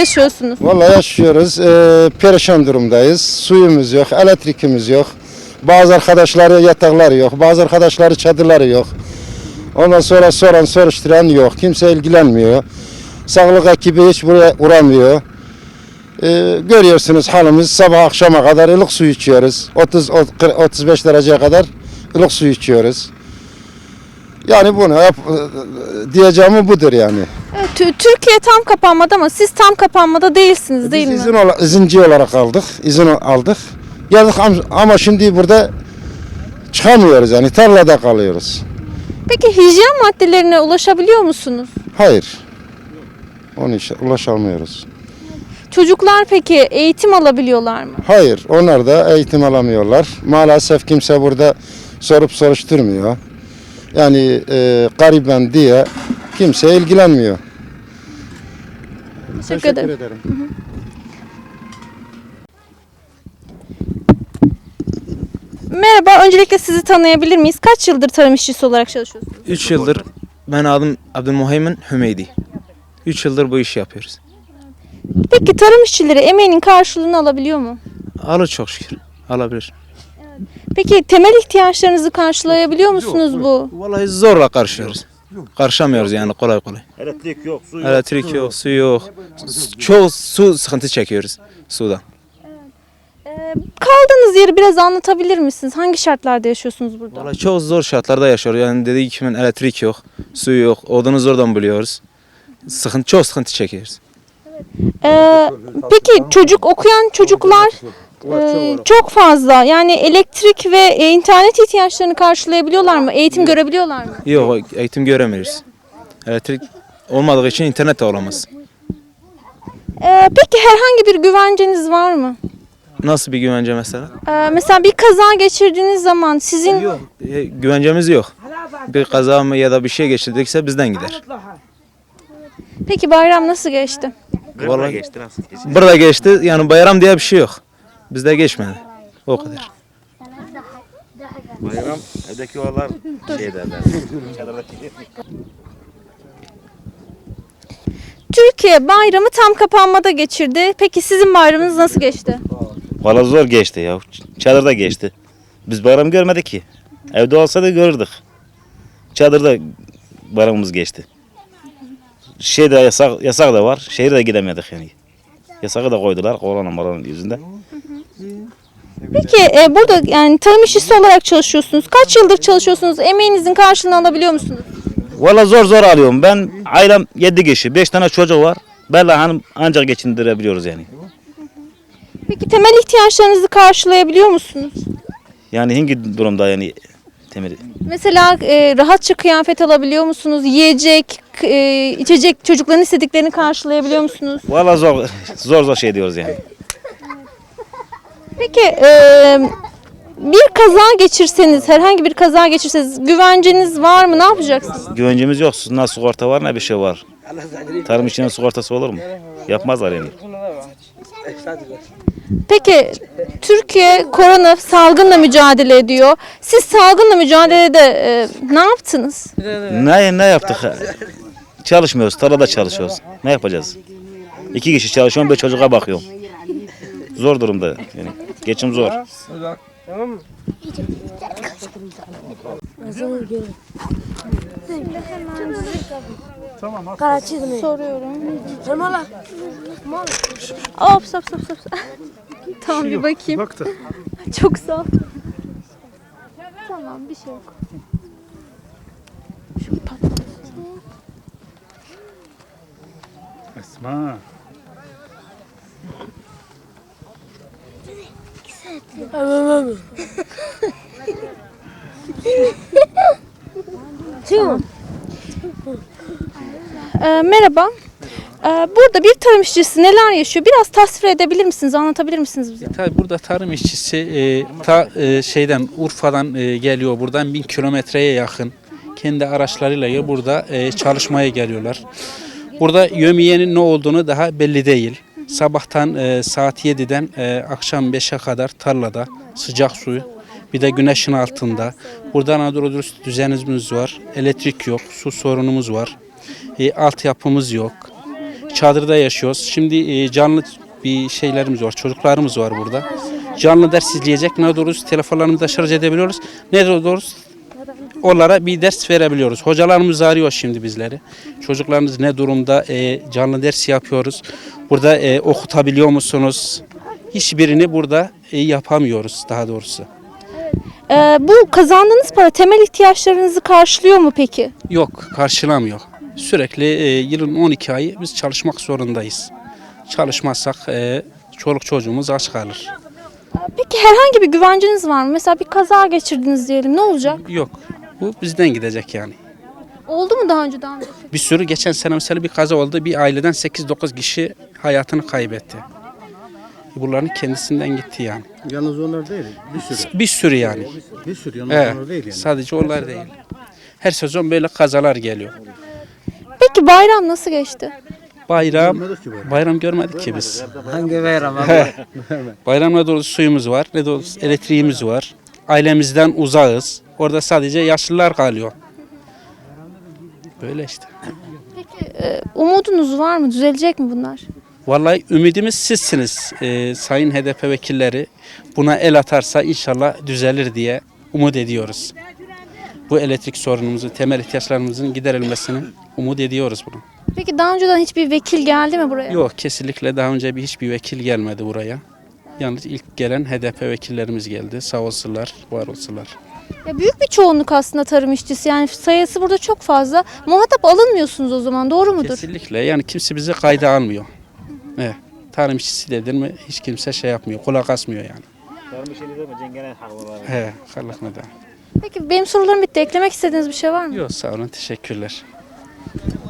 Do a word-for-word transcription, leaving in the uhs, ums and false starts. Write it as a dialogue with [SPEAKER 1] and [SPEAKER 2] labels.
[SPEAKER 1] yaşıyorsunuz?
[SPEAKER 2] Vallahi yaşıyoruz. Ee, perişan durumdayız. Suyumuz yok, elektrikimiz yok. Bazı arkadaşları yatakları yok, bazı arkadaşları çadırları yok. Ondan sonra soran soruşturan yok. Kimse ilgilenmiyor. Sağlık ekibi hiç buraya uğramıyor. Ee, görüyorsunuz halimiz, sabah akşama kadar ılık su içiyoruz. otuz otuz beş dereceye kadar ılık su içiyoruz. Yani bunu yap, diyeceğim budur yani.
[SPEAKER 1] Evet, Tü- Türkiye tam kapanmadı ama siz tam kapanmada değilsiniz değil
[SPEAKER 2] Biz
[SPEAKER 1] mi?
[SPEAKER 2] izin ola, izinci olarak aldık, izin aldık. Geldik am- ama şimdi burada çıkamıyoruz yani tarlada kalıyoruz.
[SPEAKER 1] Peki hijyen maddelerine ulaşabiliyor musunuz?
[SPEAKER 2] Hayır. Onun için ulaşamıyoruz.
[SPEAKER 1] Çocuklar peki eğitim alabiliyorlar mı?
[SPEAKER 2] Hayır, onlar da eğitim alamıyorlar. Maalesef kimse burada sorup soruşturmuyor. Yani e, gariben diye kimse ilgilenmiyor.
[SPEAKER 1] Teşekkür, ederim.
[SPEAKER 2] ederim.
[SPEAKER 1] Merhaba, öncelikle sizi tanıyabilir miyiz? Kaç yıldır tarım işçisi olarak çalışıyorsunuz?
[SPEAKER 3] üç yıldır ben adım Abdülmuheymin Hümeydi. üç yıldır bu işi yapıyoruz.
[SPEAKER 1] Peki tarım işçileri emeğinin karşılığını alabiliyor mu?
[SPEAKER 3] Alır çok şükür. Alabilir.
[SPEAKER 1] Peki temel ihtiyaçlarınızı karşılayabiliyor musunuz bu?
[SPEAKER 3] Vallahi zorla karşılıyoruz. Karşılamıyoruz yani kolay kolay.
[SPEAKER 4] Elektrik yok, su yok.
[SPEAKER 3] Elektrik yok, su yok. Çoğu su sıkıntı çekiyoruz suda.
[SPEAKER 1] Ee, kaldığınız yeri biraz anlatabilir misiniz? Hangi şartlarda yaşıyorsunuz burada?
[SPEAKER 3] Vallahi çok zor şartlarda yaşıyoruz. Yani dediği gibi elektrik yok, su yok. Odunu zordan buluyoruz. Sıkıntı, çok sıkıntı çekiyoruz.
[SPEAKER 1] Ee, peki çocuk okuyan çocuklar e, çok fazla. Yani elektrik ve e, internet ihtiyaçlarını karşılayabiliyorlar mı? Eğitim görebiliyorlar mı?
[SPEAKER 3] Yok, eğitim göremiyoruz. Elektrik olmadığı için internet de olamaz.
[SPEAKER 1] Ee, peki herhangi bir güvenceniz var mı?
[SPEAKER 3] Nasıl bir güvence mesela?
[SPEAKER 1] Ee, mesela bir kaza geçirdiğiniz zaman sizin
[SPEAKER 3] Yok. E, güvencemiz yok. Bir kaza mı ya da bir şey geçirdikse bizden gider.
[SPEAKER 1] peki bayram nasıl geçti?
[SPEAKER 4] Gırla
[SPEAKER 3] Vallahi-
[SPEAKER 4] geçti nasıl geçti?
[SPEAKER 3] Burada geçti. Yani bayram diye bir şey yok. Bizde geçmedi. O kadar.
[SPEAKER 4] Bayram evdeki oğullar şey derler. Çadırdaki.
[SPEAKER 1] Türkiye bayramı tam kapanmada geçirdi. Peki sizin bayramınız nasıl geçti?
[SPEAKER 4] Valla zor geçti ya. Çadırda geçti. Biz bayram görmedik ki. Evde olsa da görürdük. Çadırda bayramımız geçti. Şeyde yasak, yasak da var. Şehire de gidemedik yani. Yasağı da koydular korona moranın yüzünden.
[SPEAKER 1] Peki e, burada yani tarım işçisi olarak çalışıyorsunuz. Kaç yıldır çalışıyorsunuz? Emeğinizin karşılığını alabiliyor musunuz?
[SPEAKER 4] Valla zor zor alıyorum. Ben ailem yedi kişi. Beş tane çocuk var. Bella hanım ancak geçindirebiliyoruz yani.
[SPEAKER 1] Peki temel ihtiyaçlarınızı karşılayabiliyor musunuz?
[SPEAKER 4] Yani hangi durumda yani temeli?
[SPEAKER 1] Mesela e, rahatça kıyafet alabiliyor musunuz? Yiyecek, e, içecek, çocukların istediklerini karşılayabiliyor musunuz?
[SPEAKER 4] Valla zor zor zor şey diyoruz yani.
[SPEAKER 1] Peki e, bir kaza geçirseniz, herhangi bir kaza geçirseniz güvenceniz var mı? Ne yapacaksınız?
[SPEAKER 4] Güvencemiz yok. Ne sigorta var ne bir şey var. Tarım işinin sigortası olur mu? Yapmazlar yani.
[SPEAKER 1] Peki Türkiye korona salgınla mücadele ediyor. Siz salgınla mücadelede e, ne yaptınız?
[SPEAKER 4] Ne ne yaptık? Çalışmıyoruz. Tarlada çalışıyoruz. Ne yapacağız? İki kişi çalışıyorum, bir çocuğa bakıyorum. Zor durumda yani. Geçim zor.
[SPEAKER 1] Soruyorum. Hop stop stop stop. Tamam bir bakayım. Çok sağ ol. Tamam bir şey yok. Şu patlasın.
[SPEAKER 5] Esma.
[SPEAKER 1] Ee, merhaba. Ee, burada bir tarım işçisi neler yaşıyor? Biraz tasvir edebilir misiniz? Anlatabilir misiniz bize?
[SPEAKER 5] Tabii burada tarım işçisi e, ta e, şeyden Urfa'dan e, geliyor, buradan bin kilometreye yakın kendi araçlarıyla burada e, çalışmaya geliyorlar. Burada yömiyenin ne olduğunu daha belli değil. Sabahtan e, saat yediden e, akşam beşe kadar tarlada sıcak suyu, bir de güneşin altında. Burada Anadolu dürüst düzenimiz var, elektrik yok, su sorunumuz var, e, altyapımız yok. çadırda yaşıyoruz. Şimdi e, canlı bir şeylerimiz var, çocuklarımız var burada. Canlı ders izleyecek, ne doğrusu telefonlarımızda şarj edebiliyoruz. Ne doğrusu onlara bir ders verebiliyoruz. Hocalarımız arıyor şimdi bizleri. Çocuklarınız ne durumda, e, canlı ders yapıyoruz. Burada e, okutabiliyor musunuz? Hiçbirini burada e, yapamıyoruz daha doğrusu.
[SPEAKER 1] Ee, bu kazandığınız para temel ihtiyaçlarınızı karşılıyor mu peki?
[SPEAKER 5] Yok, karşılamıyor. Sürekli e, yılın on iki ayı biz çalışmak zorundayız. Çalışmazsak e, çoluk çocuğumuz aç kalır.
[SPEAKER 1] Peki herhangi bir güvenceniz var mı? Mesela bir kaza geçirdiniz diyelim. Ne olacak?
[SPEAKER 5] Yok, bu bizden gidecek yani.
[SPEAKER 1] Oldu mu daha önce daha önce?
[SPEAKER 5] Bir sürü geçen sene mesela bir kaza oldu. Bir aileden sekiz dokuz kişi hayatını kaybetti. Bunların kendisinden gitti yani.
[SPEAKER 6] Yalnız onlar değil, bir sürü.
[SPEAKER 5] Bir sürü yani.
[SPEAKER 6] Bir sürü yalnız
[SPEAKER 5] Evet,
[SPEAKER 6] onlar değil yani.
[SPEAKER 5] sadece onlar değil. Her sezon böyle kazalar geliyor.
[SPEAKER 1] Peki bayram nasıl geçti?
[SPEAKER 5] Bayram,
[SPEAKER 6] Görmedik ki böyle.
[SPEAKER 5] bayram görmedik ki biz.
[SPEAKER 7] Hangi bayram abi?
[SPEAKER 5] Bayram ne doğrusu suyumuz var, ne doğrusu elektriğimiz var. Ailemizden uzağız. Orada sadece yaşlılar kalıyor. Böyle işte.
[SPEAKER 1] Ee, umudunuz var mı? Düzelecek mi bunlar?
[SPEAKER 5] Vallahi ümidimiz sizsiniz. Ee, sayın H D P vekilleri buna el atarsa inşallah düzelir diye umut ediyoruz. Bu elektrik sorunumuzu, temel ihtiyaçlarımızın giderilmesini umut ediyoruz bunu.
[SPEAKER 1] Peki daha önceden hiçbir vekil geldi mi buraya?
[SPEAKER 5] Yok, kesinlikle daha önce bir hiçbir vekil gelmedi buraya. Yalnız ilk gelen H D P vekillerimiz geldi. Sağ olsunlar, var olsunlar.
[SPEAKER 1] Ya büyük bir çoğunluk aslında tarım işçisi. Yani sayısı burada çok fazla. Muhatap alınmıyorsunuz o zaman. Doğru mudur?
[SPEAKER 5] Kesinlikle. Yani kimse bizi kayda almıyor. Evet. Tarım işçisi dedin mi hiç kimse şey yapmıyor, kulak asmıyor yani. He, kallık neden?
[SPEAKER 1] Peki benim sorularım bitti. Eklemek istediğiniz bir şey var mı?
[SPEAKER 5] Yok, sağ olun, teşekkürler.